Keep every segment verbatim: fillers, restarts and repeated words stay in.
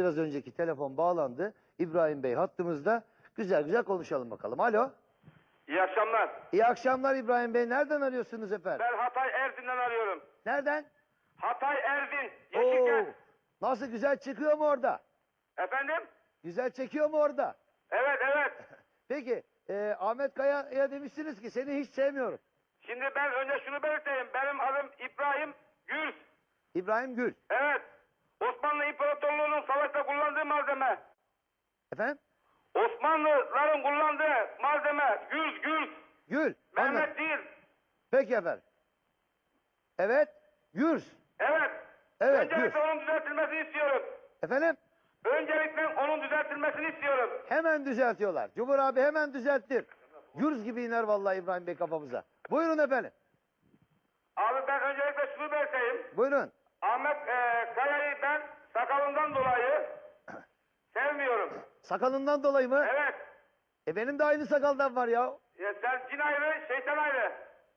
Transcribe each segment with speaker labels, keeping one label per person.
Speaker 1: biraz önceki telefon bağlandı. İbrahim Bey hattımızda. Güzel güzel konuşalım bakalım. Alo.
Speaker 2: İyi akşamlar.
Speaker 1: İyi akşamlar İbrahim Bey. Nereden arıyorsunuz efendim?
Speaker 2: Ben Hatay Erzin'den arıyorum.
Speaker 1: Nereden?
Speaker 2: Hatay Erzin.
Speaker 1: Oo,
Speaker 2: Yeşilkent.
Speaker 1: nasıl güzel çıkıyor mu orada?
Speaker 2: Efendim?
Speaker 1: Güzel çekiyor mu orada?
Speaker 2: Evet evet.
Speaker 1: Peki e, Ahmet Kaya'ya demişsiniz ki seni hiç sevmiyorum.
Speaker 2: Şimdi ben önce şunu belirteyim. Benim adım İbrahim Gürs.
Speaker 1: İbrahim Gül.
Speaker 2: Evet. Osmanlı İmparatorluğu'nun savaşta kullandığı malzeme.
Speaker 1: Efendim?
Speaker 2: Osmanlıların kullandığı malzeme. Gürs Gürs.
Speaker 1: Gül. Anladım.
Speaker 2: Mehmet değil.
Speaker 1: Peki efendim. Evet. Gürs.
Speaker 2: Evet.
Speaker 1: Evet,
Speaker 2: Öncelikle
Speaker 1: Gürs.
Speaker 2: onun düzeltilmesini istiyorum.
Speaker 1: Efendim?
Speaker 2: Öncelikle onun düzeltilmesini istiyorum.
Speaker 1: Hemen düzeltiyorlar. Cumhur abi hemen düzelttir. Gürz gibi iner vallahi İbrahim Bey kafamıza. Buyurun efendim.
Speaker 2: Abi ben öncelikle şunu belirteyim.
Speaker 1: Buyurun.
Speaker 2: Ahmet e, Kaya'yı ben sakalından dolayı sevmiyorum.
Speaker 1: Sakalından dolayı mı?
Speaker 2: Evet.
Speaker 1: E benim de aynı sakaldan var ya.
Speaker 2: Ya sen cin ayrı, şeytan ayrı.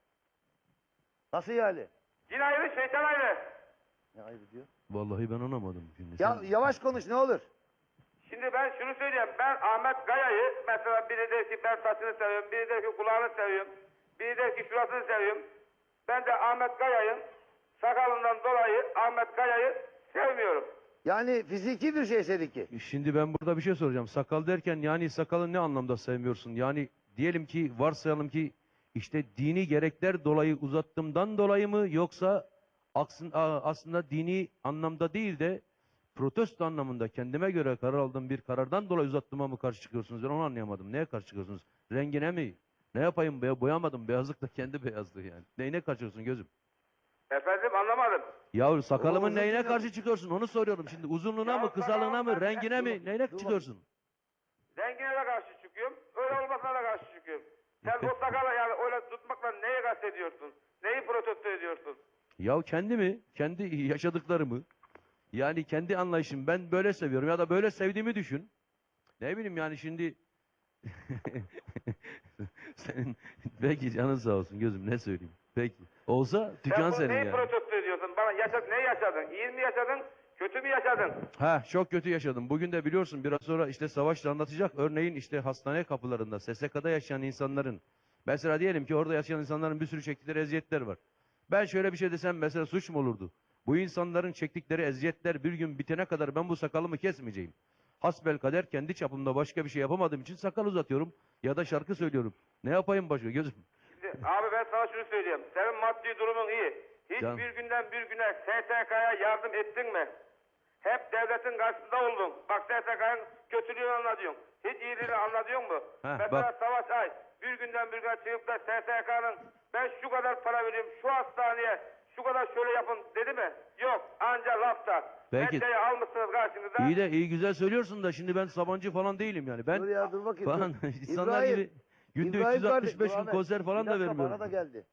Speaker 1: Nasıl yani?
Speaker 2: Cin ayrı, şeytan ayrı.
Speaker 1: Ne ayrı diyor?
Speaker 3: Vallahi ben anlamadım. Şimdi
Speaker 1: Ya
Speaker 3: sen-
Speaker 1: yavaş konuş ne olur.
Speaker 2: Şimdi ben şunu söyleyeyim. Ben Ahmet Kaya'yı mesela biri der ki ben saçını seviyorum, biri der ki kulağını seviyorum, biri der ki şurasını seviyorum. Ben de Ahmet Kaya'nın sakalından dolayı Ahmet Kaya'yı sevmiyorum.
Speaker 1: Yani fiziki bir şey seninki.
Speaker 3: Şimdi ben burada bir şey soracağım. Sakal derken yani sakalı ne anlamda sevmiyorsun? Yani diyelim ki varsayalım ki işte dini gerekler dolayı uzattığımdan dolayı mı yoksa aksın, a- aslında dini anlamda değil de protesto anlamında kendime göre karar aldığım bir karardan dolayı uzattığıma mı karşı çıkıyorsunuz? Ben onu anlayamadım. Neye karşı çıkıyorsunuz? Rengine mi? Ne yapayım? Be boyamadım. Beyazlık da kendi beyazlığı yani. Neyine karşı çıkıyorsun gözüm?
Speaker 2: Efendim anlamadım.
Speaker 3: Yahu sakalımın
Speaker 1: uzun
Speaker 3: neyine
Speaker 1: değil mi?
Speaker 3: karşı çıkıyorsun? Onu soruyorum şimdi. Uzunluğuna
Speaker 2: Ya
Speaker 3: mı, kısalığına mı,
Speaker 2: sakalım-
Speaker 3: rengine
Speaker 1: Dur
Speaker 3: mi?
Speaker 1: bakayım,
Speaker 3: Neyine
Speaker 1: dur
Speaker 3: çıkıyorsun?
Speaker 2: Rengine de karşı çıkıyorum, öyle olmasına da karşı çıkıyorum. Sen o sakala yani öyle tutmakla neye kastediyorsun? Neyi protesto ediyorsun?
Speaker 3: Ya kendimi, kendi yaşadıklarımı, yani kendi anlayışım ben böyle seviyorum ya da böyle sevdiğimi düşün. Ne bileyim yani şimdi senin belki canın sağ olsun gözüm ne söyleyeyim. Peki. Olsa dükkan
Speaker 2: Sen bunu
Speaker 3: senin
Speaker 2: neyi
Speaker 3: yani.
Speaker 2: protesto ediyorsun? Bana yaşad ne yaşadın? İyi mi yaşadın? Kötü mü yaşadın?
Speaker 3: Ha çok kötü yaşadım. Bugün de biliyorsun biraz sonra işte Savaş da anlatacak. Örneğin işte hastane kapılarında S S K'da yaşayan insanların mesela diyelim ki orada yaşayan insanların bir sürü çektikleri eziyetler var. Ben şöyle bir şey desem mesela suç mu olurdu? Bu insanların çektikleri eziyetler bir gün bitene kadar ben bu sakalımı kesmeyeceğim. Hasbelkader kendi çapımda başka bir şey yapamadığım için sakal uzatıyorum ya da şarkı söylüyorum. Ne yapayım başka gözüm?
Speaker 2: Şimdi, abi ben sana şunu söyleyeyim. Senin maddi durumun iyi. Hiç
Speaker 3: Canım.
Speaker 2: bir günden bir güne S S K'ya yardım ettin mi? Hep devletin karşısında oldun. Bak S S K'nın kötülüğünü anlatıyorsun. Hiç iyiliğini anlatıyor mu?
Speaker 3: Heh,
Speaker 2: Mesela
Speaker 3: bak.
Speaker 2: Savaş Ay bir günden bir güne çıkıp da S S K'nın ben şu kadar para veriyorum şu hastaneye şu kadar şöyle yapın dedi mi? Yok. Anca lafta.
Speaker 3: Belki-
Speaker 2: Meddeyi almışsınız karşınıza.
Speaker 3: İyi de iyi güzel söylüyorsun da şimdi ben Sabancı falan değilim yani. Ben
Speaker 1: Dur ya dur bakayım.
Speaker 3: falan
Speaker 1: dur.
Speaker 3: insanlar
Speaker 1: İbrahim,
Speaker 3: gibi günde
Speaker 1: İbrahim
Speaker 3: üç yüz altmış beş
Speaker 1: kardeşim,
Speaker 3: gün
Speaker 1: Ahmet,
Speaker 3: konser falan
Speaker 1: bir
Speaker 3: da
Speaker 1: dakika,
Speaker 3: vermiyorum.
Speaker 1: Bana da geldi.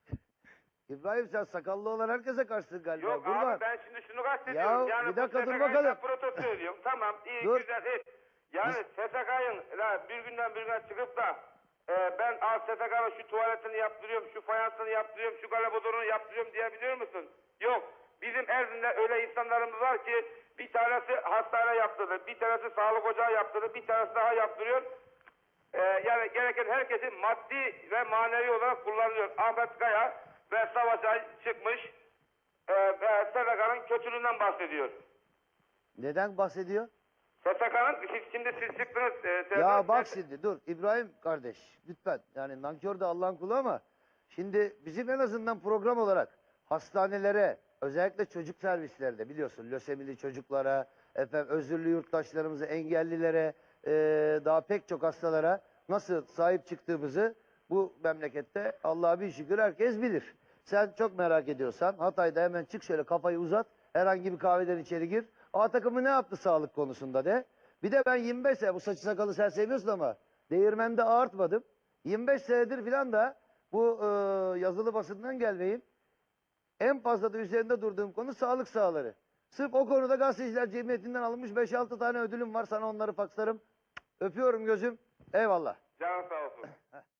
Speaker 1: İbrahim sen sakallı olan herkese karşısın galiba.
Speaker 2: Yok
Speaker 1: Kurban.
Speaker 2: abi ben şimdi şunu kastediyorum.
Speaker 1: Ya,
Speaker 2: yani
Speaker 1: bir dakika,
Speaker 2: bu
Speaker 1: dur
Speaker 2: S S K'yı
Speaker 1: bakalım.
Speaker 2: ben protesto ediyorum. Tamam iyi
Speaker 1: Dur.
Speaker 2: güzel hiç. Yani S S K'nın bir günden bir güne çıkıp da e, ben al S S K'nın şu tuvaletini yaptırıyorum, şu fayansını yaptırıyorum, şu galabodorunu yaptırıyorum diyebiliyor musun? Yok. Bizim Erzin'de öyle insanlarımız var ki bir tanesi hastane yaptırdı, bir tanesi sağlık ocağı yaptırdı, bir tanesi daha yaptırıyor. Ee, yani gereken herkesi maddi ve manevi olarak kullanıyor. Ahmet Kaya ve Savaş Ay çıkmış e, ve S S K'nın kötülüğünden bahsediyor.
Speaker 1: Neden bahsediyor?
Speaker 2: S S K'nın siz, şimdi siz çıktınız. E,
Speaker 1: Ya
Speaker 2: siz-
Speaker 1: bak şimdi dur İbrahim kardeş lütfen yani nankör de Allah'ın kulu ama şimdi bizim en azından program olarak hastanelere özellikle çocuk servislerinde biliyorsun lösemili çocuklara efendim özürlü yurttaşlarımıza engellilere eee, daha pek çok hastalara nasıl sahip çıktığımızı bu memlekette Allah'a bir şükür herkes bilir. Sen çok merak ediyorsan Hatay'da hemen çık şöyle kafayı uzat herhangi bir kahveden içeri gir. A takımı ne yaptı sağlık konusunda de. Bir de ben yirmi beş sene bu saçı sakalı sen seviyorsun ama değirmende ağartmadım. yirmi beş senedir filan da bu e, yazılı basından gelmeyim. En fazla da üzerinde durduğum konu sağlık sahaları. Sırf o konuda Gazeteciler Cemiyeti'nden alınmış beş altı tane ödülüm var. Sana onları fakslarım. Öpüyorum gözüm. Eyvallah.
Speaker 2: Canın sağ olsun.